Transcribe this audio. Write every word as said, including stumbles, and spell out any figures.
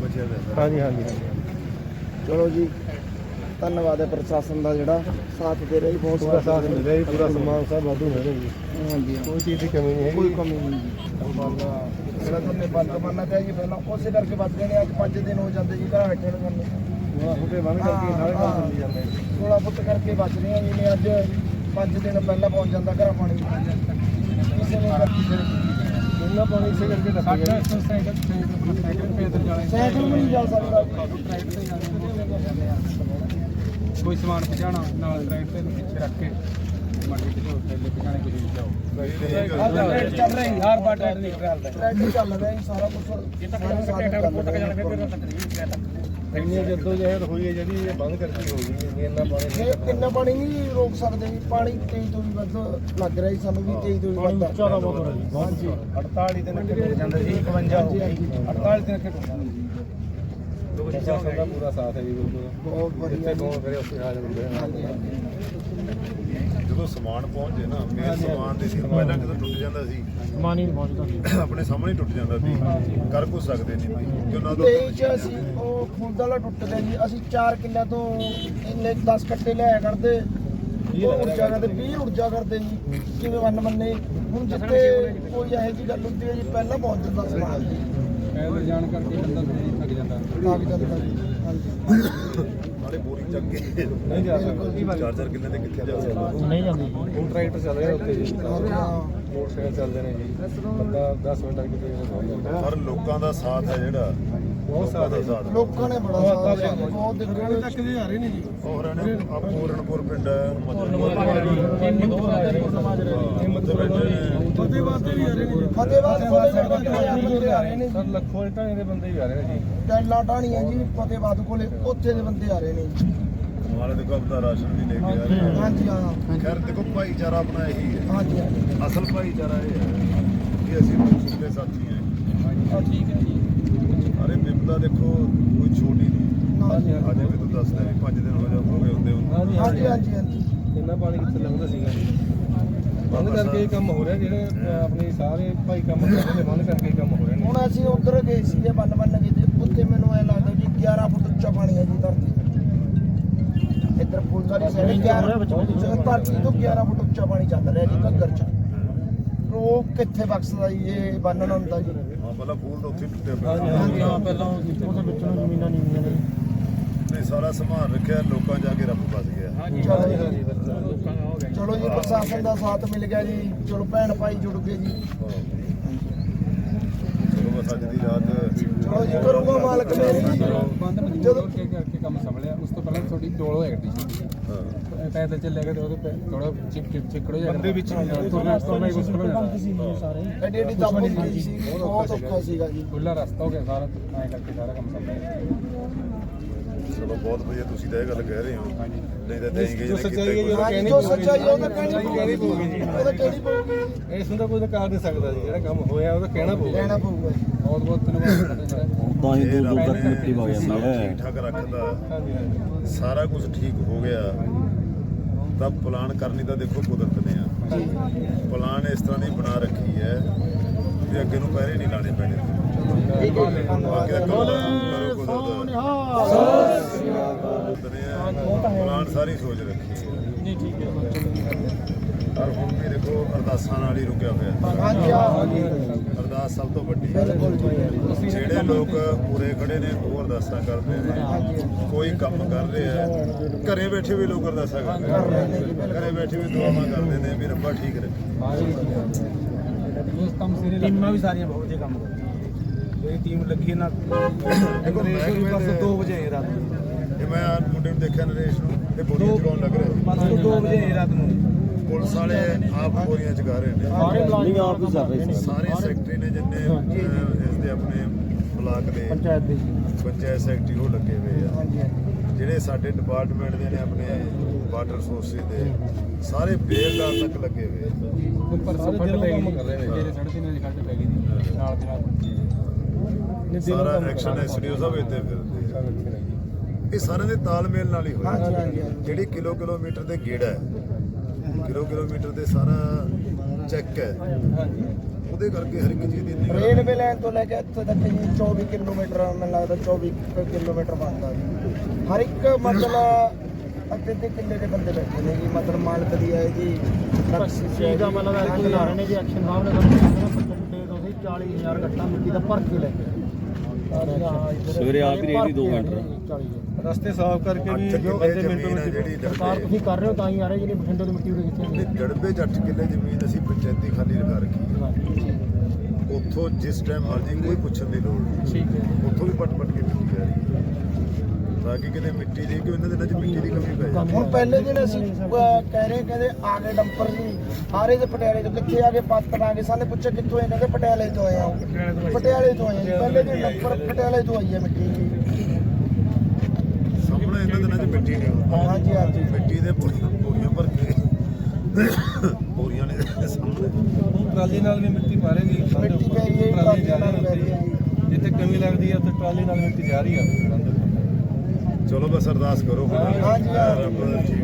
ਬਚਿਆ ਹੋਇਆ। ਹਾਂਜੀ ਹਾਂਜੀ ਹਾਂਜੀ ਚਲੋ ਜੀ ਧੰਨਵਾਦ ਹੈ ਪ੍ਰਸ਼ਾਸਨ ਦਾ ਜਿਹੜਾ ਸਾਥ ਦੇ ਰਿਹਾ ਜੀ, ਬਹੁਤ ਪੂਰਾ ਸਾਥ ਮਿਲ ਰਿਹਾ ਜੀ, ਪੂਰਾ ਸਮਾਨ ਸਭ ਵਾਧੂ ਮਿਲ ਰਿਹਾ ਜੀ, ਹਾਂਜੀ ਕੋਈ ਚੀਜ਼ ਦੀ ਕਮੀ ਨਹੀਂ ਹੈਗੀ। ਕੋਈ ਕਮੀ ਨਹੀਂ ਜੀ। ਜਿਹੜਾ ਤੁਹਾਡੇ ਬੰਦ ਮੰਨਣਾ ਚਾਹੀਏ ਜੀ ਪਹਿਲਾਂ ਉਸੇ ਕਰਕੇ ਬਚ ਗਏ ਨੇ। ਅੱਜ ਪੰਜ ਦਿਨ ਹੋ ਜਾਂਦੇ ਜੀ ਘਰ ਬੈਠੇ ਨੂੰ ਸਾਨੂੰ, ਸੋਲਾਂ ਫੁੱਟੇ ਬੰਨ ਕਰਕੇ ਸਾਰੇ ਕੰਮ ਚੱਲੀ ਜਾਂਦੇ ਜੀ। ਸੋਲਾਂ ਫੁੱਟ ਕਰਕੇ ਬਚ ਰਹੇ ਆ ਜੀ ਨੇ। ਅੱਜ ਪੰਜ ਦਿਨ ਪਹਿਲਾਂ ਪਹੁੰਚ ਜਾਂਦਾ ਘਰਾਂ ਪਾਣੀ ਕਿਸੇ ਨੇ ਇੰਨਾ ਪਾਣੀ ਇਸੇ ਕਰਕੇ ਦੱਸਿਆ ਗਿਆ ਜੀ। ਸਾਈਕਲ ਵੀ ਨਹੀਂ ਚੱਲ ਸਕਦਾ। ਕੋਈ ਸਮਾਨ ਪਹੁੰਚਾਉਣਾ ਨਾਲ ਟਰੈਕਟਰ ਨੂੰ ਪਿੱਛੇ ਰੱਖ ਕੇ ਮੰਡੀ ਤੇ ਥੈਲੇ ਪਹੁੰਚਾਣੇ ਕੁਝ ਨਹੀਂ ਜਾਓ। ਟਰੈਕਟਰ ਚੱਲ ਰਿਹਾ ਜੀ, ਹਰ ਬਾਰ ਟਰੈਕਟਰ ਨਿਕਲ ਰਿਹਾ। ਟਰੈਕਟਰ ਚੱਲ ਰਿਹਾ ਜੀ, ਸਾਰਾ ਕੁਝ ਇੰਨੀ ਜਦੋਂ ਜਹਿਦ ਹੋਈ ਹੈ ਜਿਹੜੀ ਇਹ ਬੰਦ ਕਰਕੇ ਹੋ ਗਈ ਹੈ। ਇੰਨਾ ਪਾਣੀ ਇਹ ਕਿੰਨਾ ਪਾਣੀ ਨਹੀਂ ਰੋਕ ਸਕਦੇ ਜੀ। ਪਾਣੀ ਤੇਜ਼ ਤੋਂ ਵੀ ਵੱਧ ਲੱਗ ਰਿਹਾ ਜੀ ਸਾਨੂੰ, ਵੀ ਤੇਜ਼ ਤੋਂ ਵੀ ਵੱਧ ਉੱਚਾ ਦਾ ਬਹੁਤ ਹੋ ਰਿਹਾ ਜੀ। ਹਾਂਜੀ ਅੜਤਾਲੀ ਦਿਨ ਅੱਗੇ ਟੁੱਟ ਜਾਂਦਾ ਜੀ, ਇਕਵੰਜਾ ਹੋ ਗਈ ਅੜਤਾਲੀ ਦਿਨ ਅੱਗੇ ਟੁੱਟ ਜਾਂਦਾ ਜੀ। ਪ੍ਰਸ਼ਾਸਨ ਦਾ ਪੂਰਾ ਸਾਥ ਹੈ ਜੀ, ਬਿਲਕੁਲ ਬਹੁਤ ਵਧੀਆ ਜਿੱਥੇ ਕੌਣ ਕਰੇ ਉੱਥੇ ਆ ਜਾਂਦੇ ਹਾਂਜੀ ਨੇ। ਜਦੋਂ ਸਮਾਨ ਪਹੁੰਚ ਜੇ ਨਾ, ਮੇਨ ਸਮਾਨ ਦੀ ਸੀ ਪਹਿਲਾਂ ਜਦੋਂ ਟੁੱਟ ਜਾਂਦਾ ਸੀ ਸਮਾਨ ਹੀ ਨਹੀਂ ਪਹੁੰਚਦਾ। ਆਪਣੇ ਸਾਹਮਣੇ ਟੁੱਟ ਜਾਂਦਾ ਸੀ, ਕਰ ਕੁਛ ਸਕਦੇ ਨਹੀਂ ਬਈ ਕਿ ਉਹਨਾਂ ਤੋਂ ਤੇਈ ਚ ਅਸੀਂ ਉਹ ਖੁੰਦ ਵਾਲਾ ਟੁੱਟ ਗਿਆ ਜੀ। ਅਸੀਂ ਚਾਰ ਕਿੱਲਿਆਂ ਤੋਂ ਇੰਨੇ ਦਸ ਕੱਟੇ ਲਿਆਇਆ ਕਰਦੇ, ਉਹ ਊਰਜਾ ਕਰਦੇ ਵੀਹ ਊਰਜਾ ਕਰਦੇ ਜੀ, ਜਿਵੇਂ ਵੰਨ ਮੰਨੇ। ਹੁਣ ਜਿੱਥੇ ਕੋਈ ਇਹੋ ਜਿਹੀ ਗੱਲ ਹੁੰਦੀ ਹੈ ਜੀ, ਪਹਿਲਾਂ ਪਹੁੰਚ ਜਾਂਦਾ ਸਮਾਨ ਜੀ, ਪੈਦਲ ਜਾਣ ਕਰਕੇ ਬੰਦਾ ਥੱਕ ਜਾਂਦਾ। ਲੱਗ ਜਾਂਦਾ ਜੀ। ਹਾਂਜੀ ਨਾਲੇ ਬੋਰੀ ਚੱਕ ਕੇ ਨਹੀਂ ਜਾ ਸਕਦਾ, ਚਾਰ ਚਾਰ ਕਿੱਲੇ ਤੇ ਕਿੱਥੇ ਜਾ ਸਕਦਾ। ਨਹੀਂ ਜਾਂਦੀ। ਹੁਣ ਟਰੈਕਟਰ ਚੱਲ ਰਿਹਾ ਉੱਤੇ ਜੀ, ਮੋਟਰਸਾਈਕਲ ਚੱਲਦੇ ਨੇ ਜੀ, ਬੰਦਾ ਦਸ ਮਿੰਟ ਤੱਕ ਕਿਤੇ ਪਹੁੰਚ ਜਾਂਦਾ। ਪਰ ਲੋਕਾਂ ਦਾ ਸਾਥ ਹੈ ਜਿਹੜਾ ਬਹੁਤ ਸਾਥ ਹੈ। ਸਾਥ ਲੋਕਾਂ ਨੇ ਬੜਾ ਸਾਥ ਦਿੱਤਾ ਜੀ, ਬਹੁਤ ਦੇਖੋ ਤੱਕ ਦੇ ਆ ਰਹੇ ਨੇ ਜੀ। ਹੋਰ ਆ ਪੂਰਨਪੁਰ ਪਿੰਡ ਹੈ, ਫਤਿਹਵਾਦ ਦੇ ਵੀ ਆ ਰਹੇ ਨੇ ਜੀ। ਫਤਿਹਵਾਦ ਕੋਲੇ ਬੰਦੇ ਆ ਰਹੇ ਨੇ ਸਰ ਲੱਖੋਂ ਢਾਣੇ ਦੇ ਬੰਦੇ ਵੀ ਆ ਰਹੇ ਨੇ ਜੀ। ਟੈਲਾ ਢਾਣੀਆਂ ਜੀ ਫਤਿਹਵਾਦ ਕੋਲੇ, ਉੱਥੇ ਦੇ ਬੰਦੇ ਆ ਰਹੇ ਨੇ ਜੀ। ਮਾਲੇ ਦੇ ਕੋਲ ਦਾ ਰਾਸ਼ਨ ਵੀ ਲੈ ਕੇ ਆ ਰਹੇ ਆ। ਹਾਂਜੀ ਹਾਂ ਖੈਰ ਦੇਖੋ ਭਾਈਚਾਰਾ ਆਪਣਾ ਇਹੀ ਹੈ, ਹਾਂਜੀ ਹਾਂਜੀ ਅਸਲ ਭਾਈਚਾਰਾ ਇਹ ਹੈ ਕਿ ਅਸੀਂ ਮਨਸੂਬ ਦੇ ਸਾਥੀ ਹਾਂ। ਠੀਕ ਹੈ ਜੀ। ਅਰੇ ਬਿਪਤਾ ਦੇਖੋ ਕੋਈ ਛੋਟੀ ਨਹੀਂ। ਹਾਂਜੀ ਅੱਜ ਵੀ ਤੂੰ ਦੱਸਦਾ ਵੀ ਪੰਜ ਦਿਨ ਹੋ ਜਾ ਹੋ ਗਏ ਹੁੰਦੇ ਹੁੰਦੇ ਹਾਂਜੀ ਹਾਂਜੀ ਹਾਂਜੀ ਇੰਨਾ ਪਾਣੀ ਕਿੱਥੇ ਲੰਘਦਾ ਸੀਗਾ ਜੀ। ਬੰਦ ਕਰਕੇ ਇਹ ਕੰਮ ਹੋ ਰਿਹਾ, ਜਿਹੜੇ ਆਪਣੇ ਸਾਰੇ ਭਾਈ ਕੰਮ ਕਰਦੇ ਨੇ ਬੰਦ ਕਰਕੇ ਇਹ ਕੰਮ ਹੋ ਰਹੇ ਨੇ। ਹੁਣ ਅਸੀਂ ਉੱਧਰ ਗਏ ਸੀਗੇ ਬੰਨ ਬੰਨ ਕੇ, ਤੇ ਉੱਥੇ ਮੈਨੂੰ ਐ ਲੱਗਦਾ ਜੀ ਗਿਆਰਾਂ ਫੁੱਟ ਉੱਚਾ ਪਾਣੀ ਹੈ ਜੀ ਧਰਤੀ। ਇੱਧਰ ਫੁੱਲਵਾਰੀ ਸਾਈਡ ਧਰਤੀ ਤੋਂ ਗਿਆਰਾਂ ਫੁੱਟ ਉੱਚਾ ਪਾਣੀ ਚੱਲ ਰਿਹਾ ਜੀ ਘੱਗਰ ਚ। ਉਹ ਕਿੱਥੇ ਬਖਸ਼ਦਾ ਜੀ, ਇਹ ਬੰਨਣ ਹੁੰਦਾ ਜੀ। ਹਾਂ ਪਹਿਲਾਂ ਫੂਲ ਤਾਂ ਉੱਥੇ ਹੀ ਟੁੱਟੇ ਪਏ। ਹਾਂਜੀ ਹਾਂ ਪਹਿਲਾਂ ਉਹਦੇ ਵਿੱਚੋਂ ਜ਼ਮੀਨਾਂ ਨਹੀਂ ਹੁੰਦੀਆਂ ਨੇ। ਨਹੀਂ ਸਾਰਾ ਸੰਭਾਲ ਰੱਖਿਆ, ਲੋਕਾਂ ਜਾ ਕੇ ਰੱਬ ਫਸ ਗਿਆ। ਚਲੋ ਜੀ ਚਲੋ ਜੀ ਪ੍ਰਸ਼ਾਸਨ ਦਾ ਸਾਥ ਮਿਲ ਗਿਆ ਜੀ। ਚਲੋ ਭੈਣ ਭਾਈ ਜੁੜ ਗਏ ਜੀ। ਚਲੋ ਬਸ ਅੱਜ ਦੀ ਰਾਤ ਚਲੋ ਜੀ ਕਰੂਗਾ ਮਾਲਕ ਮੇਰੀ ਜੀ। ਬੰਦ ਮਜਬੂਰ ਜਦੋਂ ਹੋ ਕੇ ਕਰਕੇ ਕੰਮ ਸੰਭਲਿਆ। ਉਸ ਤੋਂ ਪਹਿਲਾਂ ਥੋੜੀ ਡੋਲ ਹੋਇਆ ਗੱਡੀ ਸੀ, ਹਾਂ। ਪੈਦਲ ਚੱਲਿਆ ਗਿਆ ਤੇ ਉਹਦੇ ਥੋੜਾ ਚਿਪ ਚਿਪ ਚਿਕੜ ਹੋ ਜਾਂਦਾ। ਬੰਦੇ ਵਿੱਚ ਤੁਰਨਾ ਤੁਰਨਾ ਹੀ ਮੁਸ਼ਕਲ ਹੋ ਜਾਂਦਾ। ਐਡੀ ਐਡੀ ਦਮ ਹੁੰਦੀ ਸੀ, ਬਹੁਤ ਔਖਾ ਸੀਗਾ ਜੀ। ਖੁੱਲਾ ਰਸਤਾ ਹੋ ਗਿਆ ਸਾਰਾ, ਐਂ ਕਰਕੇ ਸਾਰਾ ਕੰਮ ਸੰਭਲਿਆ। ਚਲੋ ਬਹੁਤ ਵਧੀਆ ਤੁਸੀਂ ਤਾਂ ਇਹ ਗੱਲ ਕਹਿ ਰਹੇ ਹੋ, ਨਹੀਂ ਤਾਂ ਦੇਂਗੇ ਜੋ ਸੱਚਾਈ ਹੈ ਜੀ, ਹਾਂਜੀ ਜੋ ਸੱਚਾਈ ਉਹ ਤਾਂ ਕਹਿਣੀ ਪਊਗੀ ਜੀ, ਉਹ ਤਾਂ ਕਹਿਣੀ ਪਊਗੀ। ਇਸ ਨੂੰ ਤਾਂ ਕੋਈ ਕਰ ਨਹੀਂ ਸਕਦਾ ਜੀ। ਜਿਹੜਾ ਕੰਮ ਹੋਇਆ ਉਹ ਤਾਂ ਕਹਿਣਾ ਪਊਗਾ। ਕਹਿਣਾ ਪਊਗਾ ਜੀ। ਬਹੁਤ ਬਹੁਤ ਧੰਨਵਾਦ ਤੁਹਾਡਾ। ਤਾਂ ਹੀ ਦੋ ਦੋ ਰੱਬ ਤੱਕ ਨੇ ਮਿੱਟੀ ਵਗ ਜਾਂਦੀ ਸਭ ਹੈ। ਠੀਕ ਠਾਕ ਰੱਖਦਾ, ਹਾਂਜੀ ਹਾਂਜੀ ਸਾਰਾ ਕੁਝ ਠੀਕ ਹੋ ਗਿਆ ਤਾਂ ਪਲਾਨ ਕਰਨੀ ਤਾਂ ਦੇਖੋ ਕੁਦਰਤ ਨੇ ਆ। ਪਲਾਨ ਇਸ ਤਰ੍ਹਾਂ ਦੀ ਬਣਾ ਰੱਖੀ ਹੈ ਵੀ ਅੱਗੇ ਨੂੰ ਪਹਿਰੇ ਨਹੀਂ ਲਾਣੇ ਪੈਣੇ। ਠੀਕ ਹੈ ਜੀ, ਬਾਕੀ ਦਾ ਧੰਨਵਾਦ। ਕਰੋ ਕੁਦਰਤ ਪਲਾਨ ਸਾਰੀ ਸੋਚ ਰੱਖੀ ਹੈ। ਨਹੀਂ ਠੀਕ ਹੈ। ਪਰ ਹੁਣ ਵੀ ਦੇਖੋ ਅਰਦਾਸਾਂ ਨਾਲ ਹੀ ਰੁਕਿਆ ਹੋਇਆ। ਹਾਂਜੀ ਹਾਂ ਅਰਦਾਸ ਸਭ ਤੋਂ ਵੱਡੀ ਬਿਲਕੁਲ ਜੀ। ਜਿਹੜੇ ਲੋਕ ਪੂਰੇ ਖੜੇ ਨੇ ਉਹ ਅਰਦਾਸਾਂ ਕਰਦੇ ਨੇ, ਕੋਈ ਕੰਮ ਕਰ ਰਿਹਾ ਘਰੇ ਬੈਠੇ ਵੀ ਲੋਕ ਅਰਦਾਸਾਂ ਕਰਦੇ ਨੇ, ਘਰੇ ਬੈਠੇ ਵੀ ਦੁਆਵਾਂ ਕਰਦੇ ਨੇ ਵੀ ਰੱਬਾ ਠੀਕ ਰੱਖੇ। ਉਸ ਕੰਮ ਸਿਰੇ ਟੀਮਾਂ ਵੀ ਸਾਰੀਆਂ ਬਹੁਤ ਜੇ ਕੰਮ ਕਰਦੀਆਂ। ਜਿਹੜੀ ਟੀਮ ਲੱਗੀ ਨਾ ਦੇਖੋ ਬਸ ਦੋ ਵਜੇ ਰਾਤ ਨੂੰ, ਇਹ ਮੈਂ ਆਹ ਮੁੰਡੇ ਨੂੰ ਦੇਖਿਆ ਨਰੇਸ਼ ਨੂੰ, ਇਹ ਬੋਰੀਆਂ ਚੁਕਾਉਣ ਲੱਗ ਰਿਹਾ ਬਸ ਦੋ ਵਜੇ ਰਾਤ ਨੂੰ ਪੁਲਿਸ ਵਾਲੇ ਆਪ ਬੋਰੀਆਂ ਚੁਕਾ ਰਹੇ ਨੇ। ਸਾਰੇ ਮੁਲਾਜ਼ਮ ਆਪ ਹੀ ਕਰ ਰਹੇ ਸੀ। ਸਾਰੇ ਸੈਕਟਰੀ ਨੇ ਜਿੰਨੇ ਅਹ, ਇਸ ਦੇ ਆਪਣੇ ਬਲਾਕ ਦੇ ਪੰਚਾਇਤ ਦੇ ਪੰਚਾਇਤ ਸੈਕਟਰੀ ਉਹ ਲੱਗੇ ਹੋਏ ਆ। ਹਾਂਜੀ ਹਾਂਜੀ ਜਿਹੜੇ ਸਾਡੇ ਡਿਪਾਰਟਮੈਂਟ ਦੇ ਨੇ ਆਪਣੇ ਵਾਟਰ ਰਿਸੋਰਸਿਸ ਦੇ ਸਾਰੇ ਬੇਲਦਾਰ ਤੱਕ ਲੱਗੇ ਹੋਏ ਆ। ਉੱਪਰ ਸਾਰੇ ਫੱਟ ਦਿਲੋਂ ਪੈ ਕੰਮ ਗਈ ਕਰ ਰਹੇ ਨੇ। ਜਿਹੜੇ ਸਾਢੇ ਤਿੰਨ ਵਜੇ ਖੱਟ ਪੈ ਗਈ ਸੀ ਨਾਲ ਦੀ ਨਾਲ। ਸਾਰਾ ਐਕਸ਼ਨ ਐਸਡੀਓ ਸਾਹਿਬ ਇੱਥੇ ਫਿਰਦੇ ਆ। ਇਹ ਸਾਰਿਆਂ ਦੇ ਤਾਲਮੇਲ ਨਾਲ ਹੀ ਹਾਂਜੀ ਹੋਇਆ। ਹਾਂਜੀ ਜਿਹੜੀ ਕਿਲੋ ਕਿਲੋਮੀਟਰ ਦੇ ਗੇੜਾ ਹੈ, ਕਿਲੋ ਕਿਲੋਮੀਟਰ ਦੇ ਸਾਰਾ ਚੈੱਕ ਹੈ, ਉਹਦੇ ਕਰਕੇ ਹਰ ਇੱਕ ਚੀਜ਼ ਦੀ ਇੰਨੀ ਰੇਲਵੇ ਲਾਈਨ ਤੋਂ ਲੈ ਕੇ ਇੱਥੇ ਤੱਕ ਜੀ ਚੌਵੀ ਕਿਲੋਮੀਟਰ ਮੈਨੂੰ ਲੱਗਦਾ ਚੌਵੀ ਕੁ ਕਿਲੋਮੀਟਰ ਬਣਦਾ ਜੀ ਹਰ ਇੱਕ ਮਤਲਬ ਅੱਧੇ ਅੱਧੇ ਕਿੱਲੇ ਦੇ ਬੰਦੇ ਬੈਠੇ ਨੇ ਜੀ ਮਤਲਬ ਮਾਲਕ ਦੀ ਹੈ ਜੀ ਚੀਜ਼ ਦਾ ਮਤਲਬ ਐਕਸ਼ਨ ਲਾ ਰਹੇ ਨੇ ਜੀ ਐਕਸ਼ਨ ਸਾਹਿਬ ਨੇ ਸਾਨੂੰ ਕਿਹਾ ਪਚੰਡੇ ਤੋਂ ਅਸੀਂ ਚਾਲੀ ਹਜ਼ਾਰ ਗੱਟਾ ਮਿੱਟੀ ਦਾ ਭਰ ਕੇ ਲੈ ਕੇ ਸਵੇਰੇ ਆਪ ਹੀ ਰੇਹੜੀ ਦੋ ਮਿੰਟ ਰਸਤੇ ਸਾਫ਼ ਕਰਕੇ ਵੀ ਅੱਠ ਕਿੱਲੇ ਅੱਧੇ ਮਿੰਟ ਜ਼ਮੀਨ ਆ ਵਿੱਚ ਜਿਹੜੀ ਸਰਕਾਰ ਡੜਬੇ ਤੁਸੀਂ ਕਰ ਰਹੇ ਹੋ ਤਾਂ ਹੀ ਆ ਰਹੇ ਜਿਹਨੇ ਬਠਿੰਡੇ ਤੋਂ ਮਿੱਟੀ ਉਰੇ ਕਿੱਥੇ ਤੇ ਡੜਬੇ ਚ ਅੱਠ ਕਿੱਲੇ ਜ਼ਮੀਨ ਅਸੀਂ ਪੰਚਾਇਤੀ ਖਾਲੀ ਲਗਾ ਰੱਖੀ ਹੈ ਉੱਥੋਂ ਜਿਸ ਟਾਈਮ ਮਰਜ਼ੀ ਕੋਈ ਪੁੱਛਣ ਦੀ ਲੋੜ ਨਹੀਂ ਠੀਕ ਹੈ ਉੱਥੋਂ ਵੀ ਪੱਟ ਪੱਟ ਕੇ ਮਿੱਟੀ ਆ ਰਹੀ ਹੈ ਤਾਂ ਕਿ ਕਿਤੇ ਮਿੱਟੀ ਦੀ ਕਿ ਉਹਨਾਂ ਦਿਨਾਂ 'ਚ ਮਿੱਟੀ ਦੀ ਕਮੀ ਪੈ ਜਾਵੇ ਹੁਣ ਪਹਿਲੇ ਦਿਨ ਅਸੀਂ ਅਹ, ਕਹਿ ਰਹੇ ਕਹਿੰਦੇ ਆ ਗਏ ਡੰਪਰ ਜੀ ਆ ਰਹੇ ਤੇ ਪਟਿਆਲੇ ਤੋਂ ਕਿੱਥੇ ਆ ਗਏ ਪਾਤਰ ਆ ਗਏ ਸਾਲੇ ਪੁੱਛੇ ਕਿੱਥੋਂ ਆਏ ਕਹਿੰਦੇ ਪਟਿਆਲੇ ਤੋਂ ਆਏ ਆ ਪਟਿਆਲੇ ਤੋਂ ਆਏ ਆ ਜੀ। ਪਹਿਲੇ ਦਿਨ ਡੰਪਰ ਪਟਿਆਲੇ ਤੋਂ ਆਈ ਹੈ ਮਿੱਟੀ ਜੀ ਸਾਹਮਣੇ ਇਹਨਾਂ ਦਿਨਾਂ 'ਚ ਮਿੱਟੀ ਨਹੀਂ ਹੁੰਦੀ ਹਾਂਜੀ ਹਾਂਜੀ ਮਿੱਟੀ ਦੇ ਬੋਰੀਆਂ ਬੋਰੀਆਂ ਭਰ ਕੇ ਬੋਰੀਆਂ ਨੇ ਸਾਹਮਣੇ ਟਰਾਲੀ ਨਾਲ ਵੀ ਮਿੱਟੀ ਮਾਰੇਗੀ ਮਿੱਟੀ ਪੈ ਰਹੀ ਹੈ ਜੀ, ਟਰਾਲੀ ਜਾ ਟਰਾਲੀ ਨਾਲ ਪੈ ਰਹੀ ਰਹੀ ਹੈ ਹੈ ਜਿੱਥੇ ਕਮੀ ਲੱਗਦੀ ਹੈ ਉੱਥੇ ਟਰਾਲੀ ਨਾਲ ਮਿੱਟੀ ਜਾ ਰਹੀ ਹੈ ਚਲੋ ਬਸ ਅਰਦਾਸ ਕਰੋ ਹਾਂਜੀ, ਹਾਂਜੀ। ਰੱਬ ਠੀਕ